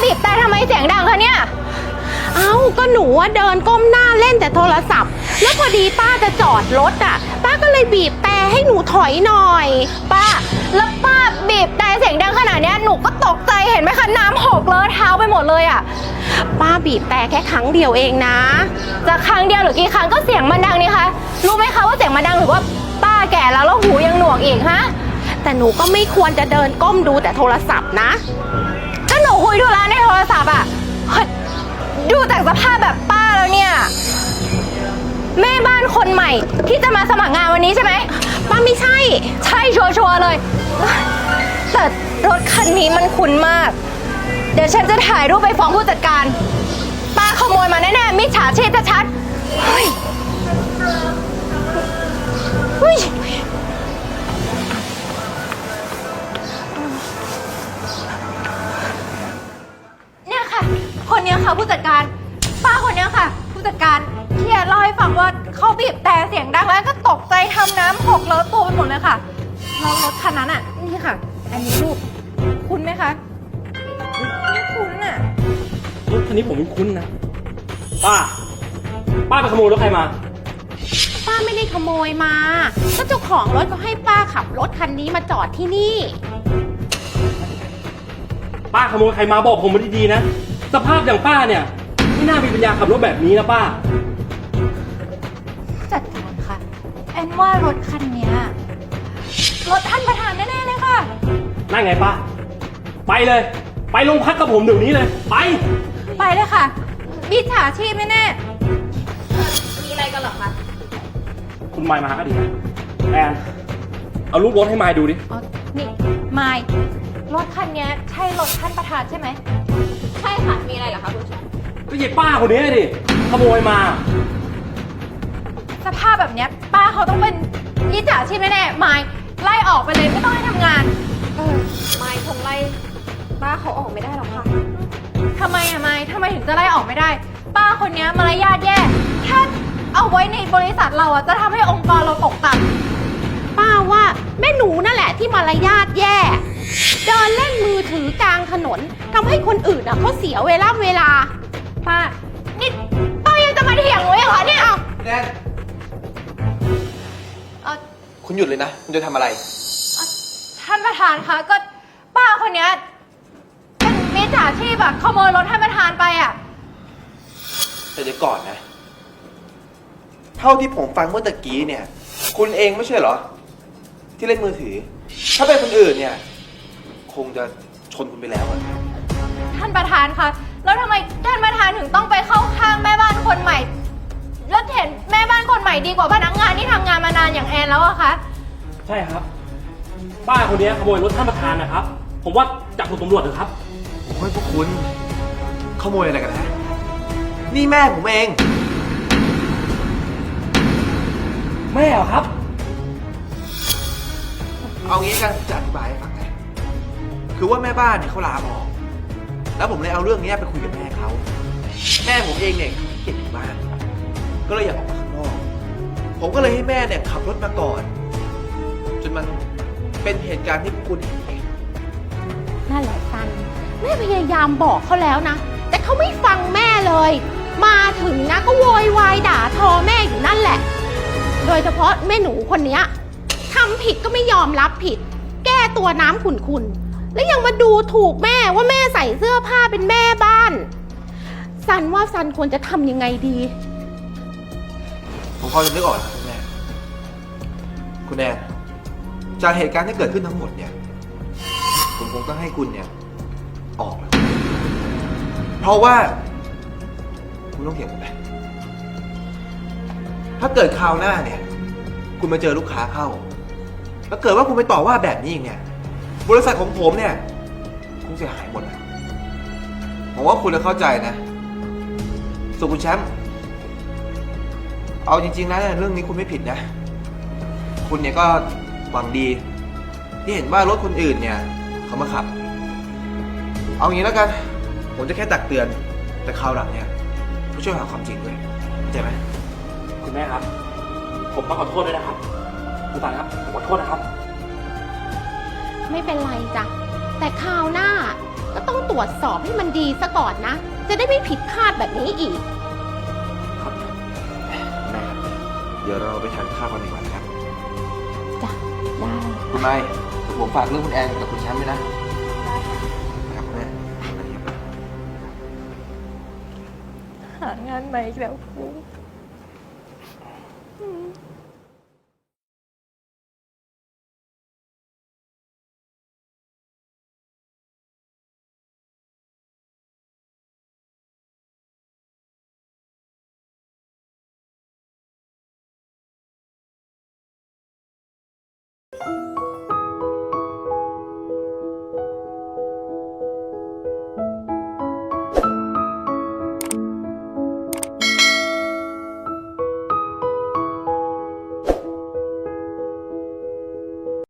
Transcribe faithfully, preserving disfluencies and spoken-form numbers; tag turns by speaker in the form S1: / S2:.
S1: บีบแต่ทำไมเสียงดังคะเนี่ย
S2: เอ้าก็หนูว่าเดินก้มหน้าเล่นแต่โทรศัพท์แล้วพอดีป้าจะจอดรถอ่ะป้าก็เลยบีบแต่ให้หนูถอยหน่อย
S1: ป้าแล้วป้าบีบแต่เสียงดังขนาดนี้หนูก็ตกใจเห็นไหมคะน้ำหกเลอะเท้าไปหมดเลยอ่ะ
S2: ป้าบีบแต่แค่ครั้งเดียวเองนะ
S1: จะครั้งเดียวหรือกี่ครั้งก็เสียงมันดังนี่คะรู้ไหมคะว่าเสียงมันดังหรือว่าป้าแก่แล้วแล้วหูยังหนวกอีกฮะ
S2: แต่หนูก็ไม่ควรจะเดินก้มดูแต่โทรศัพท์นะ
S1: ก็หนูคุยธุระในโทรศัพท์อ่ะดูจากสภาพแบบป้าแล้วเนี่ยแม่บ้านคนใหม่ที่จะมาสมัครงานวันนี้ใช่ไหม
S2: ป้าไม่ใช่
S1: ใช่ชัวร์ๆเลยแต่รถคันนี้มันคุ้นมากเดี๋ยวฉันจะถ่ายรูปไปฟ้องผู้จัดการป้าขโมยมาแน่ๆมิจฉาชีพชัดๆเฮ้ยเฮ้ยเนี่ยค่ะคนนี้ค่ะผู้จัดการป้าคนนี้ค่ะผู้จัดการที่เล่าให้ฟังว่าเขาบีบแต่เสียงดังแล้วก็ตกใจทำน้ำหกเลอะตัวไปหมดเลยค่ะแล้วรถคันนั้นอ่ะนี่ค่ะอันนี้รูปคุ้นไหมคะไม่คุ้นอ่ะ
S3: รถคันนี้ผมไม่คุ้นนะป้าป้าไปขโมยรถใครมา
S2: ป้าไม่ได้ขโมยมาก็เจ้าของรถเขาให้ป้าขับรถคันนี้มาจอดที่นี่
S3: ป้าขโมยใครมาบอกผมมาดีๆนะสภาพอย่างป้าเนี่ยไม่น่ามีปัญญาขับรถแบบนี้นะป้า
S1: จัดการค่ะแอนว่ารถคันนี้รถท่านประธานแน่ๆเลยค่ะ
S3: นั่นไงป้าไปเลยไปโรงพักกับผมเดี๋ยวนี้เลยไป
S1: ไปเลยค่ะมิจฉาชีพแน่ๆมีอะไรกันหรอคะ
S3: คุณไมค์มาก็ดีนะแอนเอารูปรถให้ไมค์ดูดิ
S1: อ๋อนี่ไมค์รถคันนี้ใช่รถท่านประธานใช่ไหมใช่ค่ะมีอะไรเหรอคะคุณแชมป์
S3: ก็ยิบป้าคนนี้ดิขโมยมา
S1: สภาพแบบนี้ป้าเขาต้องเป็นมิจฉาชีพแน่ๆไมค์ไล่ออกไปเลยไม่ต้องให้ทำงานเออไมค์คงไล่ป้าเขาออกไม่ได้หรอกค่ะทำไมอะไมค์ทำไมถึงจะไล่ออกไม่ได้ป้าคนนี้มารยาทแย่ถ้าเอาไว้ในบริษัทเราอะจะทำให้องค์กรเราตกต่
S2: ำป้าว่าแม่หนูนั่นแหละที่มารยาทแย่เดินเล่นมือถือกลางถนนทำให้คนอื่นอะเขาเสียเวลาเวลา
S1: ป้านี่ป้ายังจะมาเถียงหนูอีกเหรอเนี่ย
S4: แนนคุณหยุดเลยนะคุณจะทำอะไร
S1: ท่านประธานคะก็ป้าคนนี้เป็นมิจฉาชีพอะขโมยรถท่านประธานไปอะ
S4: แต่เดี๋ยวก่อนนะเท่าที่ผมฟังเมื่อตะกี้เนี่ยคุณเองไม่ใช่เหรอที่เล่นมือถือถ้าเป็นคนอื่นเนี่ยคงจะชนคุณไปแล้ว
S1: ท่านประธานคะแล้วทำไมท่านประธานถึงต้องไปเข้าข้างแม่บ้านคนใหม่แล้วเห็นแม่บ้านคนใหม่ดีกว่าพนักงานที่ทำงานมานานอย่างแอนแล้วอะคะ
S3: ใช่ครับป้าคนนี้ขโมยรถท่านประธานนะครับผมว่าจับคุณตำรวจเถอะครับ
S4: โอ้ยพวกคุณขโมยอะไรกันนะนี่แม่ผมเอง
S3: แม่เหรอครับ
S4: เอางี้กันจะอธิบายให้ฟังนะคือว่าแม่บ้านเนี่ยเขาลาออกแล้วผมเลยเอาเรื่องนี้ไปคุยกับแม่เขาแม่ผมเองเนี่ยเก็บอยู่บ้านก็เลยอยากออกมาข้างนอกผมก็เลยให้แม่เนี่ยขับรถมาก่อนจนมันเป็นเหตุการณ์ที่คุณเห็นเอง
S2: นั่นแหละซันแม่พยายามบอกเขาแล้วนะแต่เขาไม่ฟังแม่เลยมาถึงนะก็โวยวายด่าทอแม่อยู่นั่นแหละโดยเฉพาะแม่หนูคนนี้ทำผิดก็ไม่ยอมรับผิดแก้ตัวน้ำขุ่นๆแล้วยังมาดูถูกแม่ว่าแม่ใส่เสื้อผ้าเป็นแม่บ้านซันว่าซันควรจะทำยังไงดี
S4: ผมพอจะนึกออกแล้วคุณแม่คุณแอนจากเหตุการณ์ที่เกิดขึ้นทั้งหมดเนี่ยผมคงต้องให้คุณเนี่ยออกแล้วเพราะว่าคุณต้องเถียงผมไปถ้าเกิดคราวหน้าเนี่ยคุณมาเจอลูกค้าเข้าแล้วเกิดว่าคุณไปต่อว่าแบบนี้อีกเนี่ยบริษัทของผมเนี่ยคงเสียหายหมดนะผมว่าคุณจะเข้าใจนะส่วนคุณแชมป์เอาจริงๆนะเรื่องนี้คุณไม่ผิดนะคุณเนี่ยก็หวังดีที่เห็นว่ารถคนอื่นเนี่ยเขามาขับเอางี้แล้วกันผมจะแค่ตักเตือนแต่คราวหลังเนี่ยช่วยหาความจริงด้วยเข้าใจไหม
S3: คุณแม่ครับผมต้องขอโทษด้วยนะครับคุณตาครับขอโทษนะครับ
S2: ไม่เป็นไรจ้ะแต่คราวหน้าก็ต้องตรวจสอบให้มันดีซะก่อนนะ จะได้ไม่ผิดพลาดแบบนี้อีก
S4: ครับแม่ครับ เดี๋ยวเราไปทานข้าวกันดีกว่านะครับ
S2: จ้ะ ได้
S4: คุณไม้เดี๋ยวผมฝากเรื่องคุณแอนกับคุณแชมป์ด้วยนะนะครับแม่ไปครับ
S1: หางานใหม่อีกแล้วครู
S2: อืม